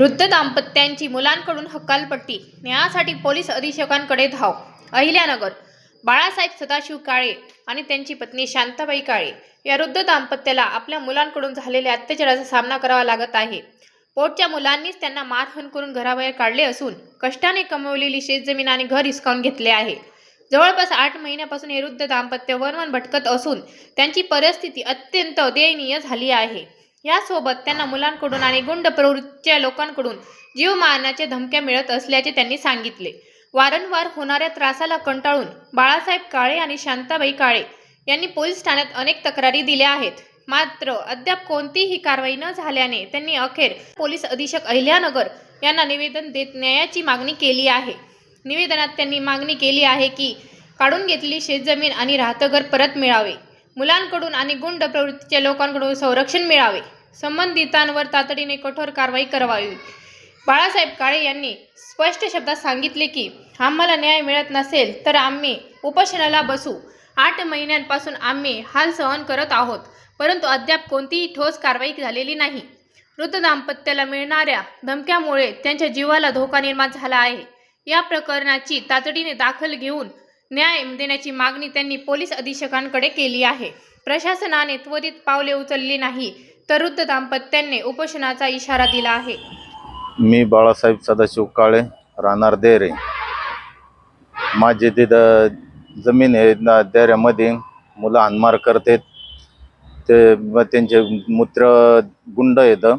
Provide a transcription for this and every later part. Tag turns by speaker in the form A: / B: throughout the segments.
A: वृद्ध दाम्पत्यांची मुलांकडून हकालपट्टी, न्यायासाठी पोलीस अधीक्षकांकडे धाव. अहिल्यानगर. बाळासाहेब सदाशिव काळे आणि त्यांची पत्नी शांताबाई काळे या वृद्ध दाम्पत्याला आपल्या मुलांकडून झालेल्या अत्याचाराचा सामना करावा लागत आहे. पोटच्या मुलांनीच त्यांना मारहाण करून घराबाहेर काढले असून कष्टाने कमवलेली शेतजमीन आणि घर हिसकावून घेतले आहे. जवळपास 8 महिन्यापासून हे वृद्ध दाम्पत्य वणवण भटकत असून त्यांची परिस्थिती अत्यंत दयनीय झाली आहे. यासोबत त्यांना मुलांकडून आणि गुंड प्रवृत्तीच्या लोकांकडून जीव मारण्याच्या धमक्या मिळत असल्याचे त्यांनी सांगितले. वारंवार होणाऱ्या त्रासाला कंटाळून बाळासाहेब काळे आणि शांताबाई काळे यांनी पोलीस ठाण्यात अनेक तक्रारी दिल्या आहेत. मात्र अद्याप कोणतीही कारवाई न झाल्याने त्यांनी अखेर पोलीस अधीक्षक अहिल्यानगर यांना निवेदन देत न्यायाची मागणी केली आहे. निवेदनात त्यांनी मागणी केली आहे की काढून घेतलेली शेतजमीन आणि राहतं घर परत मिळावे, मुलांकडून आणि गुंड प्रवृत्तीच्या लोकांकडून संरक्षण मिळावे, संबंधितांवर तातडीने कठोर कारवाई करावी. बाळासाहेब काळे यांनी स्पष्ट शब्दात सांगितले की आम्हाला न्याय मिळत नसेल तर आम्ही उपोषणाला बसू. 8 महिन्यांपासून आम्ही हाल सहन करत आहोत, परंतु अद्याप कोणतीही ठोस कारवाई झालेली नाही. वृद्ध दाम्पत्याला मिळणाऱ्या धमक्यामुळे त्यांच्या जीवाला धोका निर्माण झाला आहे. या प्रकरणाची तातडीने दखल घेऊन न्याय देण्याची मागणी त्यांनी पोलीस अधीक्षकांकडे केली आहे. प्रशासनाने त्वरित पावले उचलली नाही तर वृद्ध दाम्पत्यांनी उपोषणाचा इशारा दिला आहे.
B: मी बाळासाहेब सदाशिव काळे, राहणार देरे. माझी तिथं जमीन आहे, देऱ्यामध्ये मुलं हाणमार करतात. त्यांचे मूत्र गुंड येतं.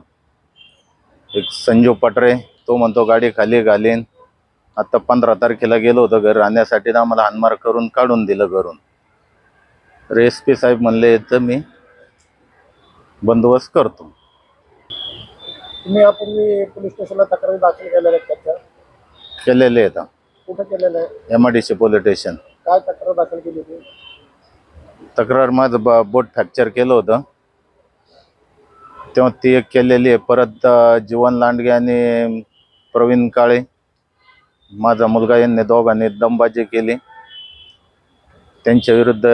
B: एक संजू पटरे, तो म्हणतो गाडी खाली घालीन. आता 15 तारखेला गेलो होतो घर राहण्यासाठी, तर आम्हाला हाणमार करून काढून दिलं घरून. SP साहेब म्हणले तर मी बंदोबस्त करतो.
C: तुम्ही यापूर्वी पोलीस स्टेशनला तक्रारी दाखल
B: केलेले आहेत.
C: कुठे केलेलं आहे?
B: MIDC police station.
C: काय तक्रार दाखल केली होती?
B: तक्रार माझं बोट फ्रॅक्चर केलं होतं तेव्हा ती एक केलेली आहे. परत जीवन लांडगे आणि प्रवीण काळे, माझा मुलगा, यांनी दोघांनी दमबाजी केली. त्यांच्या विरुद्ध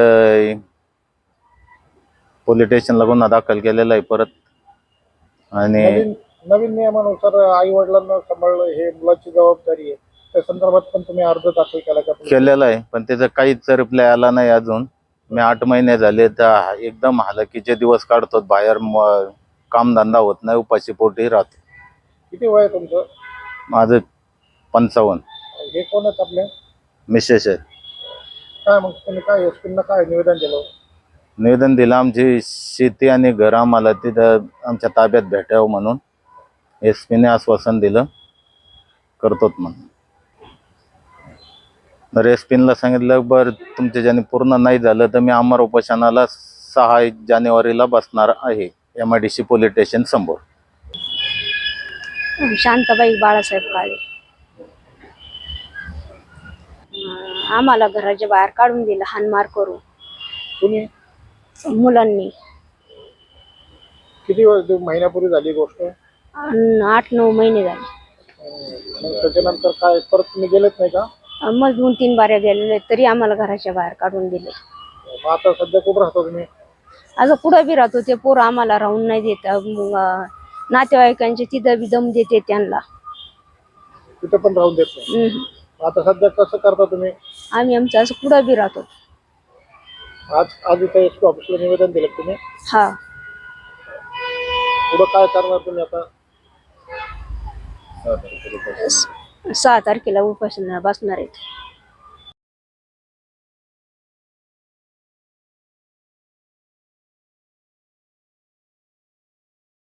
B: पोलीस स्टेशनला गुन्हा दाखल केलेला आहे परत. आणि
C: नवीन नियमानुसार आई वडिलांना सांभाळणं हे मुलाची जबाबदारी आहे. त्या संदर्भात पण तुम्ही अर्ज दाखल केला का?
B: केलेला आहे, पण त्याचा काहीच रिप्लाय आला नाही अजून. मी 8 महिने झाले तर एकदम हालाकीचे दिवस काढतो. बाहेर कामधंदा होत नाही, उपाशी पोटी राहतो.
C: किती वय आहे तुमचं?
B: माझं 55.
C: हे कोण आहेत आपले?
B: मिसेस आहे.
C: काय मग तुम्ही काय SP काय निवेदन दिलं?
B: निवेदन दिलं आमची शेती आणि घर आम्हाला तिथं आमच्या ताब्यात भेटावं म्हणून. SP ने आश्वासन दिलं करतोत म्हणून. तर SP ला सांगितलं बरं तुमच्या ज्याने पूर्ण नाही झालं तर मी अमर उपोषणाला 6 जानेवारीला बसणार आहे MIDC पोलीस स्टेशन समोर.
D: शांताबाई बाळासाहेब काळे. आम्हाला घराच्या बाहेर काढून दिलं हाणमार करून.
C: तुम्ही
D: मुलांनी.
C: किती महिन्यापूर्वी झाली गोष्ट?
D: 8-9 महिने झाले.
C: मग त्याच्यानंतर काय परत तुम्ही गेलेच नाही का?
D: मग 2-3 बाऱ्या गेलेले तरी आम्हाला घराच्या बाहेर काढून दिले.
C: मग आता सध्या कुठं राहता तुम्ही?
D: अगं पुढं बी राहतो, ते पोरं आम्हाला राहून नाही देत. नातेवाईकांचे तिथं बी दम देते त्यांना.
C: तिथं पण राहून देत नाही. आता सध्या कसं करता तुम्ही?
D: आम्ही आमचं असं पुढं बी राहतो.
C: आज इथं SP ऑफिसला निवेदन दिलं तुम्ही?
D: हा.
C: पुढं काय करणार तुम्ही आता?
D: 6 तारखेला उपोषणाला बसणार आहेत.